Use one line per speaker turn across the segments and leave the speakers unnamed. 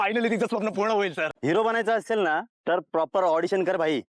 Finally तिचं स्वप्न पूर्ण होईल सर.
हिरो बनायचं असेल ना तर प्रॉपर ऑडिशन कर भाई.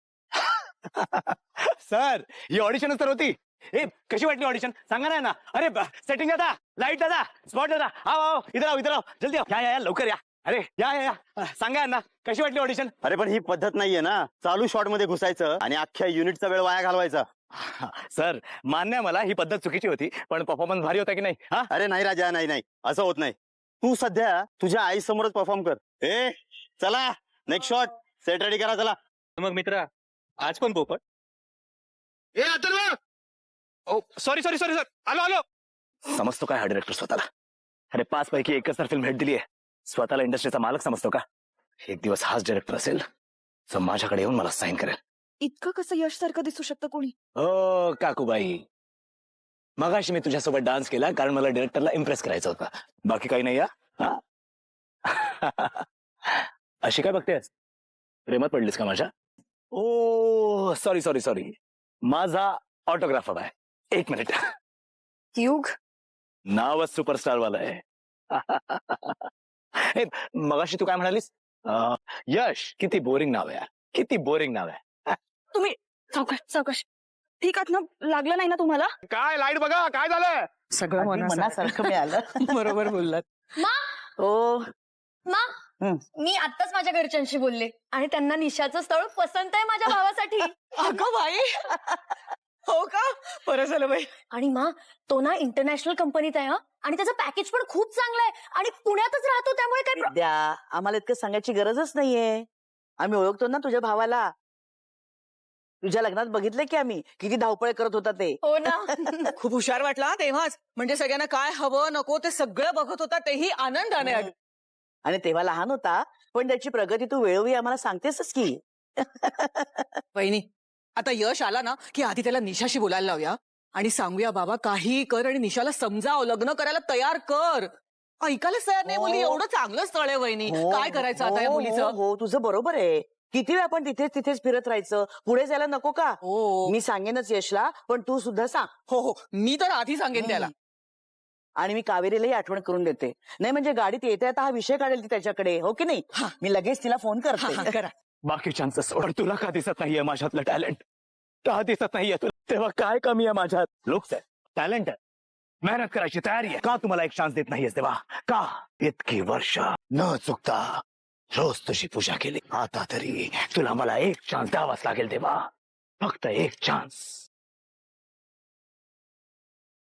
सर ही ऑडिशनच तर होती. ए कशी वाटली ऑडिशन सांगा ना. अरे सेटिंग दादा, लाईट दादा, स्पॉट दादा, आओ इधर आओ इधर आओ, जल्दी आओ, या लवकर या. अरे या सांगा ना कशी वाटली ऑडिशन.
अरे पण ही पद्धत नाहीये ना, चालू शॉट मध्ये घुसायचं आणि अख्ख्या युनिटचा वेळ वाया घालवायचा.
सर मान्य आहे मला ही पद्धत चुकीची होती, पण परफॉर्मन्स भारी होता की नाही. हा
अरे नाही राजा, नाही असं होत नाही. तू सध्या तुझ्या आई समोरच परफॉर्म कर. ए चला नेक्स्ट शॉट, सेट रेडी करा चला.
मग मित्रा आज पण पोपट.
ए अथर्व, ओ सॉरी सर, आलो. समजतो काय हा डिरेक्टर स्वतःला. अरे 5 पैकी एकच तर फिल्म भेट दिली आहे. स्वतःला इंडस्ट्रीचा मालक समजतो का. एक दिवस हाच डिरेक्टर असेल जो माझ्याकडे येऊन मला साईन करेल.
इतकं कसं यश सारखं दिसू शकतं कोणी.
ओ काकूबाई, मगाशी मी तुझ्यासोबत डान्स केला कारण मला डिरेक्टरला इम्प्रेस करायचं होतं, बाकी काही नाही. अशी काय बघतेस, प्रेमात पडलीस का माझ्या. ओ सॉरी, माझा ऑटोग्राफ हवा आहे. 1 मिनिट.
युग
नावच सुपरस्टार वाला आहे. हे, मगाशी तू काय म्हणालीस. यश, किती बोरिंग नाव आहे, किती बोरिंग नाव आहे.
तुम्ही सावकाश ठीक आहात ना, लागलं नाही ना तुम्हाला.
काय लाईट बघा काय झालं.
सगळं
मनासारखं मिळालं.
बरोबर बोललात.
हो
मी आत्ताच माझ्या घरच्यांशी बोलले आणि त्यांना निशाचं स्थळ पसंत आहे माझ्या भावासाठी.
अगं बाई, हो का, बरं झालं बाई.
आणि तो ना इंटरनॅशनल कंपनीत आहे आणि त्याचं पॅकेज पण खूप चांगलं आहे आणि पुण्यातच राहतो, त्यामुळे काय
विद्या, आम्हाला इतकं सांगायची गरजच नाहीये. आम्ही ओळखतो ना तुझ्या भावाला. तुझ्या लग्नात बघितलं की आम्ही किती धावपळ करत होता ते.
हो ना.
खूप हुशार वाटला तेव्हाच. म्हणजे सगळ्यांना काय हवं नको ते सगळं बघत होता, तेही आनंदाने.
आणि तेव्हा लहान होता, पण त्याची प्रगती तू वेळोवेळी आम्हाला सांगतेसच की.
वहिनी, आता यश आला ना की आधी त्याला निशाशी बोलायला लावूया आणि सांगूया बाबा काही कर आणि निशाला समजाव, लग्न करायला तयार कर. ऐकायलाच तयार नाही मुली. एवढं चांगलं स्थळ आहे वहिनी, काय करायचं आता या मुलीचं.
हो तुझं बरोबर आहे. किती वेळ आपण तिथेच फिरत राहायचं, पुढे जायला नको का. मी सांगेनच यशला, पण तू सुद्धा सांग.
हो मी तर आधी सांगेन त्याला.
आणि मी कावेरीलाही आठवण करून देते. नाही म्हणजे गाडीत येता हा विषय काढेल ती त्याच्याकडे, हो की नाही. मी लगेच तिला फोन करते.
करा.
बाकीच्यांचं सोड, तुला का दिसत नाहीये माझ्यातलं टॅलेंट. का दिसत नाहीये तुला, तेव्हा काय कमी आहे माझ्यात. लोक टॅलेंट आहे, मेहनत करायची तयारी आहे. का तुम्हाला एक चान्स देत नाहीये तेव्हा. का इतकी वर्ष न चुकता रोज तुझी पूजा केली, आता तरी तुला मला एक चान्स द्यावाच लागेल तेव्हा. फक्त एक चान्स.